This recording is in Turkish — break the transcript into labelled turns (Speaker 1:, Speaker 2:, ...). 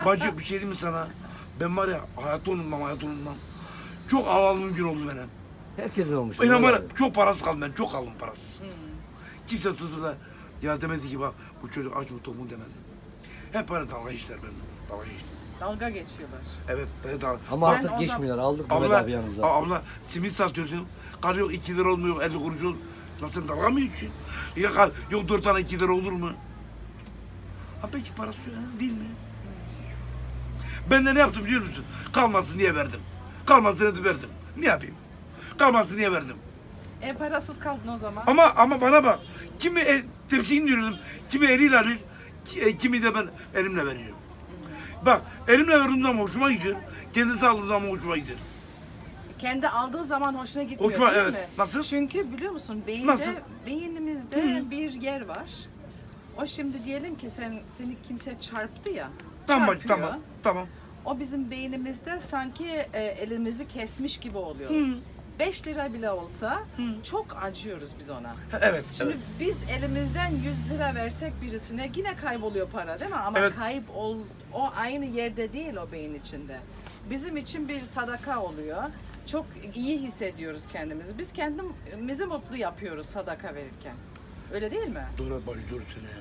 Speaker 1: Bacı bir şey diyeyim mi sana? Ben var ya hayatı unutmam. Çok ağladığım gün oldu benim.
Speaker 2: Herkesin olmuş.
Speaker 1: Benim var ya,
Speaker 2: Abi.
Speaker 1: çok parasız kaldım ben. Çok kaldım parasız. Kimse tuttu da ya demedi ki bak bu çocuk aç mı tok mu demedi. Hep böyle dalga işler benimle. Dalga işler.
Speaker 3: Dalga geçiyorlar.
Speaker 1: Evet ben dalga.
Speaker 2: Ama
Speaker 3: Sen
Speaker 2: artık
Speaker 3: o
Speaker 2: geçmiyorlar. Aldık Mehmet
Speaker 1: Abla,
Speaker 2: abi yanımıza.
Speaker 1: abla simit satıyordun. Kar yok 2 lira olmuyor 50 kuruş ol. Lan sen dalga mı geçiyorsun? Ya kar yok 4 tane 2 lira olur mu? Ha peki parası yok ha, değil mi? Ben de ne yaptım biliyor musun? Kalmasın diye verdim. Kalmasın diye verdim. Ne yapayım? Kalmasın diye verdim.
Speaker 3: Parasız kaldın o zaman.
Speaker 1: Ama bana bak. Kimi tepsiyi indiriyordum. Kimi eliyle alıyor. Kimi de ben elimle veriyorum. Bak elimle verdiğim zaman hoşuma gidiyor. Kendisi aldığım zaman hoşuma gidiyor.
Speaker 3: Kendi aldığı zaman hoşuna gitmiyor
Speaker 1: Hoşuma,
Speaker 3: değil
Speaker 1: evet.
Speaker 3: mi?
Speaker 1: Nasıl?
Speaker 3: Çünkü biliyor musun
Speaker 1: Nasıl?
Speaker 3: beynimizde bir yer var. O şimdi diyelim ki seni kimse çarptı ya.
Speaker 1: Tamam
Speaker 3: çarpıyor.
Speaker 1: tamam.
Speaker 3: O bizim beynimizde sanki elimizi kesmiş gibi oluyor. 5 lira bile olsa çok acıyoruz biz ona.
Speaker 1: Evet.
Speaker 3: Şimdi
Speaker 1: evet.
Speaker 3: biz elimizden 100 lira versek birisine yine kayboluyor para değil mi? Ama
Speaker 1: Evet.
Speaker 3: o aynı yerde değil o beyin içinde. Bizim için bir sadaka oluyor. Çok iyi hissediyoruz kendimizi. Biz kendimizi mutlu yapıyoruz sadaka verirken. Öyle değil mi?
Speaker 1: Doğru bacı doğru söylüyor.